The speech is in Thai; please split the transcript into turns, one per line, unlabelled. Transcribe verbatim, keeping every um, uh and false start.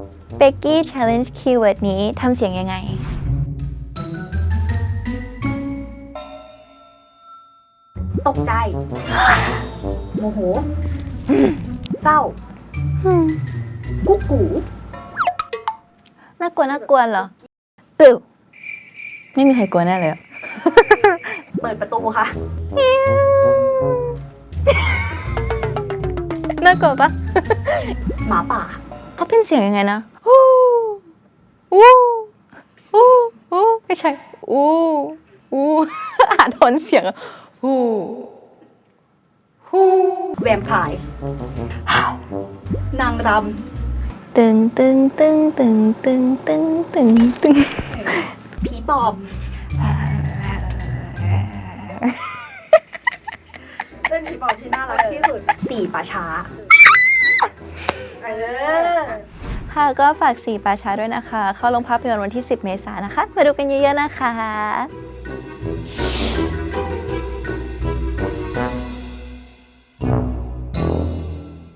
เบกกี้ challenge keyword นี้ทำเสียงยังไง
ตกใจโมโหเศร้ากุ๊กกู
น่ากลัวน่ากลัวเหรอตึกไม่มีใครกลัวแน่เลย
เปิดประตูค่ะ
น่ากลัวปะ
หมาป่า
เขาเป็นเสียงยังไงนะอู้อู้อู้อู้ไม่ใช่อู้อู้อ่านโทนเสียงอู้ฮู้
แวมไพร์นางร
ตึงตึงตึงตึงตึงตึงตึงตึง
ำผีปอบ
เป็นผีปอบที่น่ารักที่สุด
สี่ป่าช้า
เออ
ค่ะก็ฝากสี่ป่าช้าด้วยนะคะ เข้าโรงภาพยนตร์วันที่สิบเมษายนนะคะ มาดูกันเยอะๆนะคะ